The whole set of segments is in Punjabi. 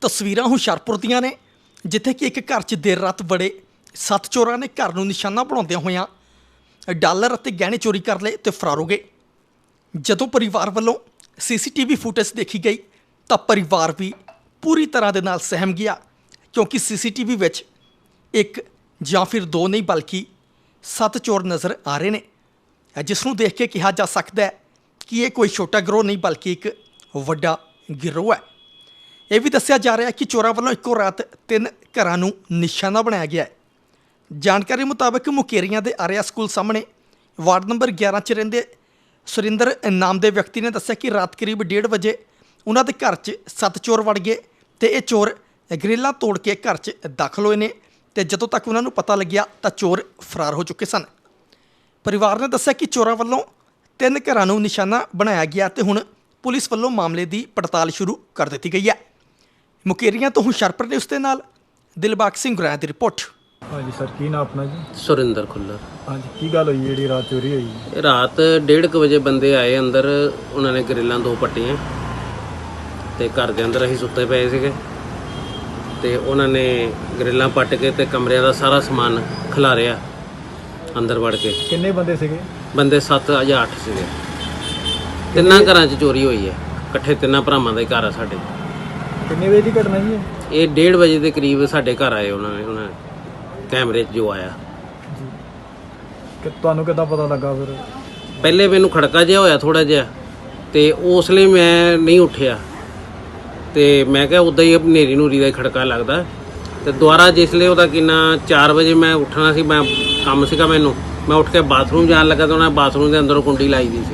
ਤਸਵੀਰਾਂ ਹੁਸ਼ਿਆਰਪੁਰ ਦੀਆਂ ਨੇ ਜਿੱਥੇ ਕਿ ਇੱਕ ਘਰ 'ਚ ਦੇਰ ਰਾਤ ਵੜੇ 7 ਚੋਰਾਂ ਨੇ ਘਰ ਨੂੰ ਨਿਸ਼ਾਨਾ ਬਣਾਉਂਦਿਆਂ ਹੋਇਆਂ ਡਾਲਰ ਅਤੇ ਗਹਿਣੇ ਚੋਰੀ ਕਰ ਲਏ ਤੇ ਫਰਾਰ ਹੋ ਗਏ। ਜਦੋਂ ਪਰਿਵਾਰ ਵੱਲੋਂ ਸੀਸੀਟੀਵੀ ਫੁਟੇਜ ਦੇਖੀ ਗਈ ਤਾਂ ਪਰਿਵਾਰ ਵੀ ਪੂਰੀ ਤਰ੍ਹਾਂ ਦੇ ਨਾਲ ਸਹਿਮ ਗਿਆ, ਕਿਉਂਕਿ ਸੀਸੀਟੀਵੀ ਵਿੱਚ ਇੱਕ ਜਾਂ ਫਿਰ ਦੋ ਨਹੀਂ ਬਲਕਿ 7 ਚੋਰ ਨਜ਼ਰ ਆ ਰਹੇ ਨੇ, ਜਿਸ ਨੂੰ ਦੇਖ ਕੇ ਕਿਹਾ ਜਾ ਸਕਦਾ ਹੈ ਕਿ ਇਹ ਕੋਈ ਛੋਟਾ ਗਿਰੋਹ ਨਹੀਂ ਬਲਕਿ ਇੱਕ ਵੱਡਾ ਗਿਰੋਹ ਹੈ। ਇਹ ਵੀ ਦੱਸਿਆ ਜਾ ਰਿਹਾ ਹੈ ਕਿ ਚੋਰਾਂ ਵੱਲੋਂ ਇੱਕੋ ਰਾਤ 3 ਘਰਾਂ ਨੂੰ ਨਿਸ਼ਾਨਾ ਬਣਾਇਆ ਗਿਆ ਹੈ। ਜਾਣਕਾਰੀ ਮੁਤਾਬਕ ਮੁਕੇਰੀਆਂ ਦੇ ਆਰਿਆ ਸਕੂਲ ਸਾਹਮਣੇ ਵਾਰਡ ਨੰਬਰ 11 'ਚ ਰਹਿੰਦੇ ਸੁਰਿੰਦਰ ਨਾਮ ਦੇ ਵਿਅਕਤੀ ਨੇ ਦੱਸਿਆ ਕਿ ਰਾਤ ਕਰੀਬ 1:30 ਵਜੇ ਉਹਨਾਂ ਦੇ ਘਰ 'ਚ 7 ਚੋਰ ਵੜ ਗਏ ਤੇ ਇਹ ਚੋਰ ਗ੍ਰਿਲਾਂ ਤੋੜ ਕੇ ਘਰ 'ਚ ਦਾਖਲ ਹੋਏ ਨੇ ਤੇ ਜਦੋਂ ਤੱਕ ਉਹਨਾਂ ਨੂੰ ਪਤਾ ਲੱਗਿਆ ਤਾਂ ਚੋਰ ਫਰਾਰ ਹੋ ਚੁੱਕੇ ਸਨ। ਪਰਿਵਾਰ ਨੇ ਦੱਸਿਆ ਕਿ ਚੋਰਾਂ ਵੱਲੋਂ 3 ਘਰਾਂ ਨੂੰ ਨਿਸ਼ਾਨਾ ਬਣਾਇਆ ਗਿਆ ਤੇ ਹੁਣ ਪੁਲਿਸ ਵੱਲੋਂ ਮਾਮਲੇ ਦੀ ਪੜਤਾਲ ਸ਼ੁਰੂ ਕਰ ਦਿੱਤੀ ਗਈ ਹੈ। ਮੁਕੇਰੀਆਂ ਤੋਂ ਹੁਸ਼ਿਆਰਪੁਰ ਨੇ ਉਸ ਦੇ ਨਾਲ ਦਿਲਬਾਗ ਸਿੰਘ ਗੁਰਾਇਆ ਦੀ ਰਿਪੋਰਟ। ਹਾਂਜੀ ਸਰ, ਕੀ ਨਾਮ ਆਪਣਾ ਜੀ? ਸੁਰਿੰਦਰ ਖੁੱਲਰ। ਹਾਂਜੀ, ਕੀ ਗੱਲ ਹੋਈ ਜਿਹੜੀ ਰਾਤ ਚੋਰੀ ਹੋਈ? ਇਹ ਰਾਤ 1:30 ਵਜੇ ਬੰਦੇ ਆਏ ਅੰਦਰ, ਉਹਨਾਂ ਨੇ ਗਰਿੱਲਾਂ 2 ਪੱਟੀਆਂ ਤੇ ਘਰ ਦੇ ਅੰਦਰ ਅਸੀਂ ਸੁੱਤੇ ਪਏ ਸੀਗੇ ਤੇ ਉਹਨਾਂ ਨੇ ਗਰਿੱਲਾਂ ਪੱਟ ਕੇ ਤੇ ਕਮਰਿਆਂ ਦਾ ਸਾਰਾ ਸਮਾਨ ਖਿਲਾਰਿਆ ਅੰਦਰ ਵੜ ਕੇ। ਕਿੰਨੇ ਬੰਦੇ ਸੀਗੇ? ਬੰਦੇ 7 ਜਾਂ 8 ਸੀਗੇ। 3 ਘਰਾਂ 'ਚ ਚੋਰੀ ਹੋਈ ਹੈ, ਇਕੱਠੇ 3 ਭਰਾਵਾਂ ਦਾ ਹੀ ਘਰ ਆ ਸਾਡੇ। ਕਿੰਨੇ ਵਜੇ ਦੀ ਘਟਨਾ ਜੀ ਇਹ 1:30 ਵਜੇ ਦੇ ਕਰੀਬ ਸਾਡੇ ਘਰ ਆਏ ਉਹਨਾਂ ਨੇ ਕੈਮਰੇ 'ਚ ਜੋ ਆਇਆ। ਕਿ ਤੁਹਾਨੂੰ ਕਿੱਦਾਂ ਪਤਾ ਲੱਗਾ ਫਿਰ? ਪਹਿਲੇ ਮੈਨੂੰ ਖੜਕਾ ਜਿਹਾ ਹੋਇਆ ਥੋੜਾ ਜਿਹਾ ਤੇ ਉਸ ਲਈ ਮੈਂ ਨਹੀਂ ਉੱਠਿਆ ਤੇ ਮੈਂ ਕਿਹਾ ਉੱਦਾਂ ਹੀ ਹਨੇਰੀ ਨੂਰੀ ਦਾ ਹੀ ਖੜਕਾ ਲੱਗਦਾ ਤੇ ਦੁਬਾਰਾ ਜਿਸ ਲਈ ਉਹਦਾ ਕਿੰਨਾ 4 ਵਜੇ ਮੈਂ ਉੱਠਣਾ ਸੀ, ਮੈਂ ਕੰਮ ਸੀਗਾ ਮੈਨੂੰ, ਮੈਂ ਉੱਠ ਕੇ ਬਾਥਰੂਮ ਜਾਣ ਲੱਗਾ ਤਾਂ ਉਹਨਾਂ ਬਾਥਰੂਮ ਦੇ ਅੰਦਰੋਂ ਕੁੰਡੀ ਲਾਈ ਦੀ ਸੀ।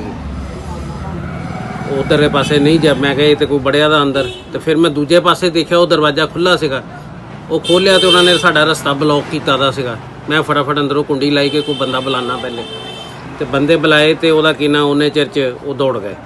ਉਧਰਲੇ ਪਾਸੇ ਨਹੀਂ ਜਾ, ਮੈਂ ਕਿਹਾ ਇਹ ਤੇ ਕੋਈ ਬੜਿਆ ਦਾ ਅੰਦਰ, ਤੇ ਫਿਰ ਮੈਂ ਦੂਜੇ ਪਾਸੇ ਦੇਖਿਆ ਉਹ ਦਰਵਾਜ਼ਾ ਖੁੱਲ੍ਹਾ ਸੀਗਾ, ਉਹ ਖੋਲ੍ਹਿਆ ਤੇ ਉਹਨਾਂ ਨੇ ਸਾਡਾ ਰਸਤਾ ਬਲੌਕ ਕੀਤਾ ਦਾ ਸੀਗਾ। ਮੈਂ ਫਟਾਫਟ ਅੰਦਰੋਂ ਕੁੰਡੀ ਲਾਈ ਕੇ ਕੋਈ ਬੰਦਾ ਬੁਲਾਉਣਾ ਪਹਿਲੇ, ਤੇ ਬੰਦੇ ਬੁਲਾਏ ਤੇ ਉਹਦਾ ਕਿੰਨਾ ਉਹਨੇ ਚਿਰ 'ਚ ਉਹ ਦੌੜ ਗਏ।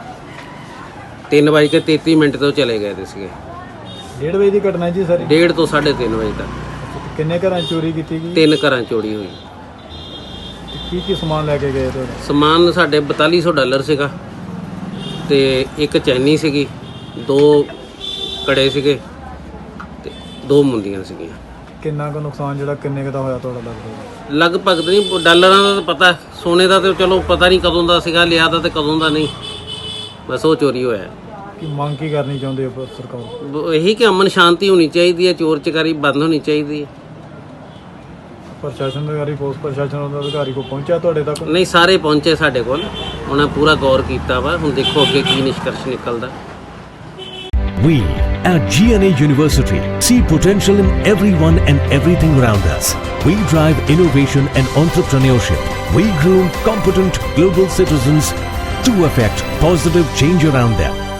3:33 ਤੋਂ ਚਲੇ ਗਏ ਤੇ ਸੀਗੇ। 1:30 ਵਜੇ ਦੀ ਘਟਨਾ ਜੀ ਸਰ? 1:30 ਤੋਂ 3:30 ਵਜੇ ਤੱਕ। ਕਿੰਨੇ ਘਰਾਂ 'ਚ ਚੋਰੀ ਕੀਤੀ ਗਈ? 3 ਘਰਾਂ 'ਚ ਚੋਰੀ ਹੋਈ। ਕੀ ਸਮਾਨ ਲੈ ਕੇ ਗਏ ਤੁਹਾਡਾ? ਸਮਾਨ ਸਾਡੇ 4200 ਡਾਲਰ ਸੀਗਾ ਤੇ ਇੱਕ ਚੈਨੀ ਸੀਗੀ, 2 ਕੜੇ ਸੀਗੇ ਤੇ 2 ਮੁੰਦੀਆਂ ਸੀਗੀਆਂ। ਕਿੰਨਾ ਕੁ ਨੁਕਸਾਨ ਜਿਹੜਾ ਕਿੰਨੇ ਕੁ ਦਾ ਹੋਇਆ ਤੁਹਾਡਾ ਲੱਗਦਾ? ਲਗਭਗ ਨਹੀਂ, ਡਾਲਰਾਂ ਦਾ ਤਾਂ ਪਤਾ, ਸੋਨੇ ਦਾ ਤੇ ਚਲੋ ਪਤਾ ਨਹੀਂ ਕਦੋਂ ਦਾ ਸੀਗਾ ਲਿਆ ਦਾ ਤੇ ਕਦੋਂ ਦਾ ਨਹੀਂ, ਬਸ ਉਹ ਚੋਰੀ ਹੋਇਆ। ਕੀ ਮੰਗ ਕੀ ਕਰਨੀ ਚਾਹੁੰਦੇ ਹੋ ਸਰਕਾਰ? ਇਹੀ ਕਿ ਅਮਨ ਸ਼ਾਂਤੀ ਹੋਣੀ ਚਾਹੀਦੀ ਹੈ, ਚੋਰ ਚਕਾਰੀ ਬੰਦ ਹੋਣੀ ਚਾਹੀਦੀ ਹੈ। ਪ੍ਰਸ਼ਾਸਨ ਅਧਿਕਾਰੀ, ਪੁਲਿਸ ਪ੍ਰਸ਼ਾਸਨ ਦਾ ਅਧਿਕਾਰੀ ਕੋ ਪਹੁੰਚਿਆ ਤੁਹਾਡੇ ਤੱਕ? ਨਹੀਂ, ਸਾਰੇ ਪਹੁੰਚੇ ਸਾਡੇ ਕੋਲ, ਉਹਨਾਂ ਪੂਰਾ ਗੌਰ ਕੀਤਾ ਵਾ। ਹੁਣ ਦੇਖੋ ਅੱਗੇ ਕੀ ਨਿਸ਼ਕਰਸ਼ ਨਿਕਲਦਾ। We at GNA University see potential in everyone and everything around us. We drive innovation and entrepreneurship. We groom competent global citizens to affect positive change around them.